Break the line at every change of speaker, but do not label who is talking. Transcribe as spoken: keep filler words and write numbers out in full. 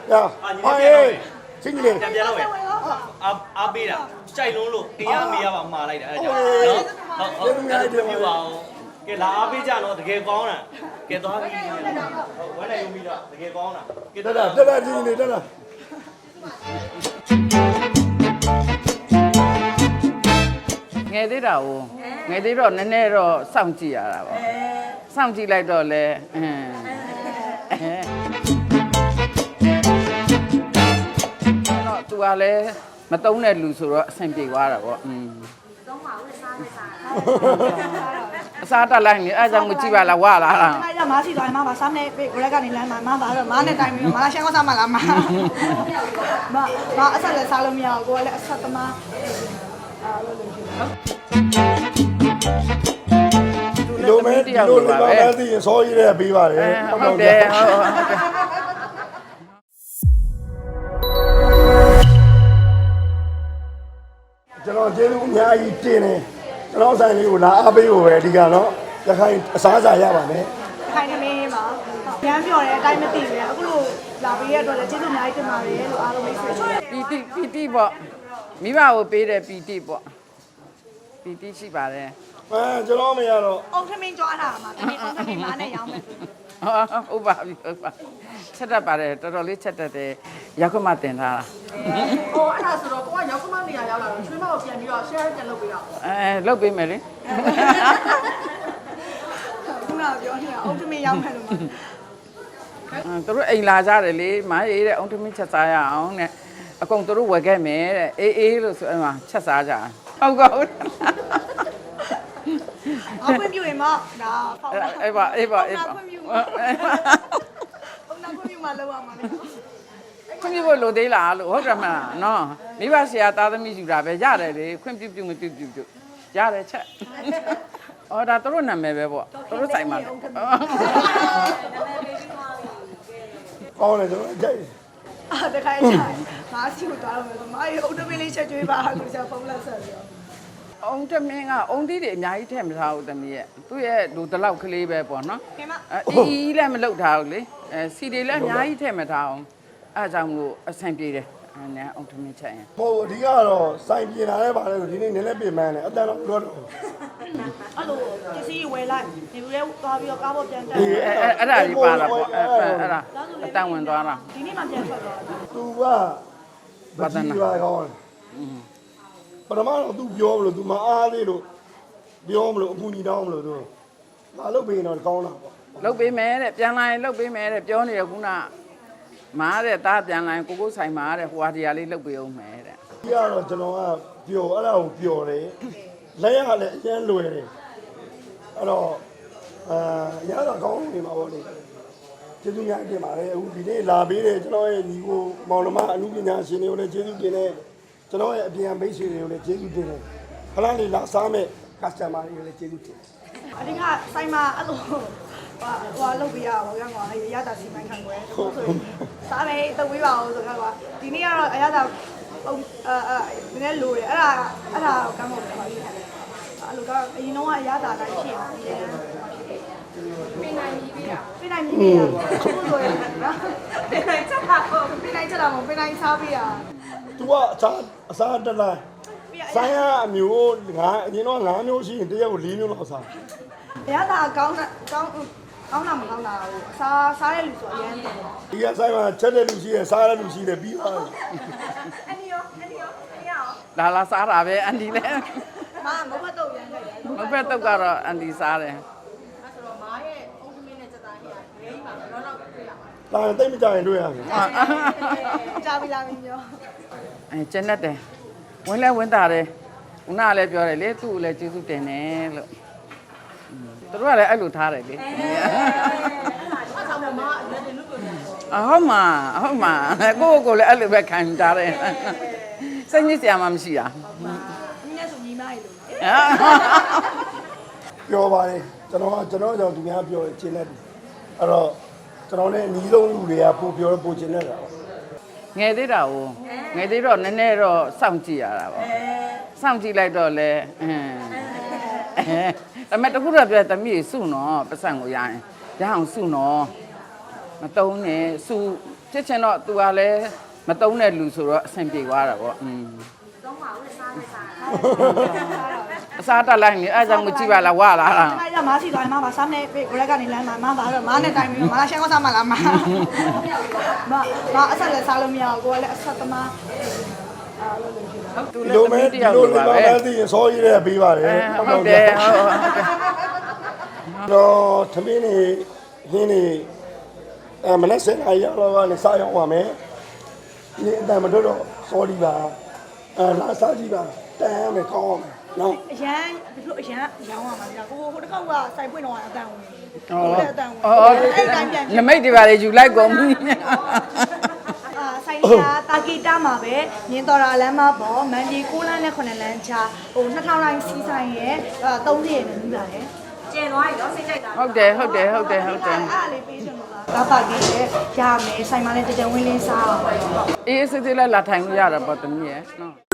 呀，哎，经理，
ပြန်ပြန်တော့မယ်အာအားပေးတာကြိုက်လုံးလို့အင်ရမေးရပါမှာလိုက်တာအဲ့ဒါနော်ဟုတ်ဟုတ်အဲ့ဒါပြပါအောင်ကဲလာအားပေးကြတော့တကယ်ကောင်းတာကဲသွားပြီဟုတ်ဝမ်းနိုင်ယူပြီးတော့တကယ်ကောင်းတာကဲ
得了，得了，经理，得了。
ငယ်သေးတာ哦ငယ်သေးတော့နည်းနည်းတော့စောင့်ကြည့်ရတာပေါ့စောင့်ကြည့်လိုက်တော့လဲအင်းတော့သူကလည်းမတုံးတဲ့လူဆိုတော့အဆင်ပြေသွားတာပေါ့อืมတုံးပါဦးစားလိုက်စားအစားတက်လိုက်နေအဲကြောင့်မကြည့်ပါလားဝလာလား
အဲ့ဒါမားစီသွားမှာပါစားနေပြီကိုလက်ကနေလမ်းမှာမားပါတော့မားနဲ့တိုင်ပြီးမားရှမ်းကောစားမှလားမားမားမားအဆက်လည်းစားလို့မရဘူးကိုကလည်းအဆက်သမားအားလို့လို့ရှိတယ်
လိုမဲဒီလိုလေးပါပဲသိရင်စောကြီးတဲ့ပေးပါတယ်
ဟုတ်တယ်ဟုတ်ဟုတ်တယ်
ကျွန်တော်ကျေးဇူးအများကြီးတင်တယ်ကျွန်တော်ဆိုင်လေးကိုလာအားပေးဖို့ပဲအဓိကနော်ရခိုင်အစားအစာရပါမယ်
ခိုင်နေမင်းပါရမ်းပြောတယ်အတိုင်းမသိဘူးအခုလိုလာပေးရတော့လည်းကျေးဇူးအများကြီးတင်ပါတယ်လို့အားလုံးမိတ်ဆွေ
ပီတိပီတိပေါ့မိဘကိုပေးတဲ့ပီတိပေါ့ပီတိရှိပါတယ်
အဲကျွန်တော်မရတော့
အုံထမင်းကြွားတာမှာတမင်အုံထမင်းမားနဲ့ရောင်းမယ်
ဟုတ်ပါပြီဟုတ်ပါချက်တတ်ပါတယ်တော်တော်လေးချက်တတ်တယ်ရောက်ခွင့်မတင်ထားတာ
ဟိုအဲ့ဒါဆိုတော့ကိုကရောက်ခမနေရရောက်လာတော့ချွေးမကိုပြန်ပြီးတော့ share ပြန်လုပ်ပေးတော့
အဲလုပ်ပေးမယ်လေ
ခုနကပြောနေတာအုံထမင်းရောင်းမယ်လို့မှာ
သူတို့အိမ်လာကြတယ်လေမားရေးတဲ့အုံထမင်းချက်စားရအောင်တဲ့အကုန်သူတို့ဝယ်ခဲ့မယ်တဲ့အေးအေးလို့ဆိုအဲ့မှာချက်စားကြဟုတ်ကောဟုတ်
အောက်ခွင့်ပြုရင်မဒါဖောက်လာ
အေးပါအေးပါအေးပါ
ခွင့်ပြုအုံနာခွင့်ပြုမှလောက်ရမှာလေ
ခွင့်ပြုဖို့လိုသေးလားလို့ဟုတ်တယ်မလားနော်မိဘဆရာသားသမီးယူတာပဲရတယ်လေခွင့်ပြုပြုမပြုပြုပြုရတယ်ချက်အော်ဒါသူတို့နာမည်ပဲပေါ့သူတို့ဆိုင်မှာ
ကောင်းတယ်ကျွန်တော်ကြိုက်
အာတခါကျရင်မားစီကိုတွားတော့မယ်ဆိုမားရေအုံထမင်းလေးချက်ကျွေးပါလို့ဆက်ဖုန်းလက်ဆက်ပြီးတော့
အုံတမင်းကအုံသီးတွေအများကြီးထည့်မထားဘူးတမီးရဲ့သူ့ရဲ့လူတလောက်ကလေးပဲပေါ့နော်
ခင်မ
အဲအီးလည်းမလုပ်ထားဘူးလေအဲစီတွေလည်းအများကြီးထည့်မထားအောင်အဲအကြောင့်လို့အဆင်ပြေတယ်အဲနဲ့အုံတမင်းချက်ရင်
ဟိုအဓိကတော့စိုင်းပြင်လာတဲ့ပါလဲဆိုဒီနေ့နည်းနည်းပြင်မှန်းတယ်အတန်တော့တော့
အဲ့လိုပစ္စည်းဝယ်လိုက်နေပြီးလဲသွားပြီးတော့ကားပေါ်ပြန်တက်
အဲအဲအဲ့ဒါကြီးပါတာပေါ့အဲအဲ့ဒါအတန်ဝင်သွားတာ
ဒီနေ့မှပြန်ထွက်သွားတာ
သူကဗဒနာပါကောင်းပထမတော့သူပြောမလို့သူမအားသေးလို့ပြောမလို့အပူညီတောင်းမလို့သူမလုပ်ပေးတော့ကောင်းတာပေါ့
လုတ်ပေးမယ်တဲ့ပြန်လာရင်လုတ်ပေးမယ်တဲ့ပြောနေရခုနမားတဲ့သားပြန်လာရင်ကိုကိုဆိုင်မာတဲ့ဟိုဟာဒီဟာလေးလုတ်ပေးအောင်မယ်တဲ့
ဒီကတော့ကျွန်တော်ကပျော်အဲ့ဒါကိုပျော်တယ်လက်ရလည်းအရင်လွယ်တယ်အဲ့တော့အာရတာကောင်းနေမှာပေါ့လေကျေးဇူးများတင်ပါတယ်အခုဒီနေ့လာပေးတယ်ကျွန်တော်ရဲ့ညီကိုမောင်နှမအမှုပညာရှင်တွေကိုလည်းကျေးဇူးတင်တယ်ကျွန်တော်ရဲ့အပြန်မိတ်ဆွေတွေကိုလည်းကျေးဇူးတင်တယ်ခလာလေးလာစားမဲ့ customer တွေကိုလည်းကျေးဇူးတင်တယ်
အဓိကဆိုင်မှာအဲ့လိုဟိုဟိုလုပ်ပြရပါဘောကကွာအဲ့ရတာစီမိုင်းခံွယ်ဆိုဆိုစားမယ်တဝေးပါအောင်ဆိုတော့ကွာဒီနေ့ကတော့အရတာပုံအဲအဲနည်းနည်းလိုတယ်အဲ့ဒါအဲ့ဒါကမ်းဖို့ပါလိမ့်မယ်အဲ့လိုကအရင်တော့အရတာတိုင်းဖြစ်အောင်ဒီနေ့ပြင်နိုင်ပြီပြတာပြင်နိုင်ပြီပြတာဟုတ်လို့ရနော်ပြင်နိုင်ချက်တာကိုပြင်နိုင်ချက်တာမပြင်နိုင်စားပြတာ
तू ကအစားအစားတက်လာဆိုင်ရအမျိုးငါအရင်တော့ငါးမျိုးရှိရင်တရက်ကို၄မျိုးလောက်စား
အရတာကောင်းတာကောင်းကောင်းတာမကောင်းတာဟိုစားစားရလူဆိုအရင်တယ်
ဒီကဆိုင်မှာချက်တဲ့လူရှိရစားတဲ့လူရှိတယ်ပြီးသွားပြီ
အန်ဒီယောအန်ဒီယောအန်ဒီယော
လာလာစားတာပဲအန်ဒီလည်း
မမဖတ်တော့ရမ်းလိုက်တယ်
မဖက်တော့ကတော့အန်ဒီစားတယ်
အဲ့ဆိုတော့မားရဲ့အုံးသမင်းနဲ့စက်သားဟိရဂရိမှာတော့တော့တွေ့ရပါ
။ဒါတိတ်မကြရင်တွေ့ရမယ်
ကြာပြီလားမင်းပြော
အဲကျန်တတ်တယ်ဝင်လဲဝင်တာတယ်ဦးနာလည်းပြောတယ်လေသူ့ကိုလည်းကျေးဇူးတင်တယ်လို့သူတို့ကလည်းအဲ့လိုထားတယ်လေ
အဲ့ဒါကြောင့်မားလက်တွေလွတ်လို့ရတယ်
အဟုတ်မှာအဟုတ်မှာကိုယ့်ကိုယ်လည်းအဲ့လိုပဲခံထားတယ်စိတ်ညစ်စရာမှမရှိတာ
ညီနဲ့ဆိုညီမရေလို့
။ပြောပါလေကျွန်တော်ကကျွန်တော်ကြောင့်သူများပြောရင်ကျင်းတတ်တယ်။အဲ့တော့ကျွန်တော်လည်းအနီးဆုံးလူတွေကပို့ပြောပို့ကျင်းတတ်တာပေါ့
ငယ်သေးတာကိုငယ်သေးတော့နည်းနည်းတော့စောင့်ကြည့်ရတာပေါ့စောင့်ကြည့်လိုက်တော့လဲအင်းအဲဒါပေမဲ့တခုတော့ပြောတမီးစုနော်ပတ်စံကိုရရင်ရအောင်စုနော်မတုံးနဲ့စုချစ်ချင်တော့ तू ကလည်းမတုံးတဲ့လူဆိုတော့အဆင်ပြေသွားတာပေါ့อืมအစားတက်လိုက်နေအဲကြောင့်မကြည့်ပါလားဝါလာတာ
အဲ့ဒါမားစီသွားရင်မပါစားနေပြီကိုရက်ကနေလမ်းမှာမပါတော့မားနဲ့တိုင်ပြီးမားရှမ်းကောစားမလားမားမမအဆက်လည်းစားလို့မရဘူးကိုကလည်းအဆက်သမားအာလို့လို့ရှိတာ
သူ
ဒီ
လည်း
လို
သမီး
မဲ
တ
ဒီ
ယောက်
လို
လို
လေး
ပါ
ပါ
ပဲ
ပဲသိရင်စောကြီးတဲ့ပေးပါတယ်
ဟုတ်တယ်ဟုတ်ဟုတ်တယ်
တော့သမင်းနေဟင်းနေအမနဲ့စင်အရာလောကနေစားရောက်ပါမယ်ဒီအတန်မတို့တော့စောဒီပါအဲလာစားကြည့်ပါတန်ရမယ်ကောင်းအောင်နော်
အရန်ဒီလိုအရန်ရောင်းရမှာကြာကိုဟိုတစ်ခေါက်ကစိုက်ပွင့်တော့အတန်ဝင်
อ๋อ
ဟုတ်တယ်အတန်ဝင်
อ๋อ
အဲ့တိုင်းပြန်
နမိတ်တွေပါလေယူလိုက်ကုန်ပြီ
အာဆိုင်ရာတာဂီတာမှာပဲမြင်းတော်ရာလမ်းမပေါ်မန်ဒီ၉လမ်းနဲ့9လမ်းချာဟိုနှစ်ထောင်တိုင်းစီးဆိုင်ရဲ့အဲသုံးရက်နဲ့ပြီးပါတယ်
ကျင်သွားပြီနော်စိတ်ကြိုက်တာ
ဟုတ်တယ်ဟုတ်တယ်ဟုတ်တယ်ဟုတ်တယ်
အားလေးပေးချင်လို့လားကာပါကြီးရဲ့ရမယ်ဆိုင်မနဲ့တကြံဝင်းလင်းစားအောင်
အေးစစ်စစ်လိုက်လာထိုင်လို့ရတာပေါ့တမီးရဲ့နော်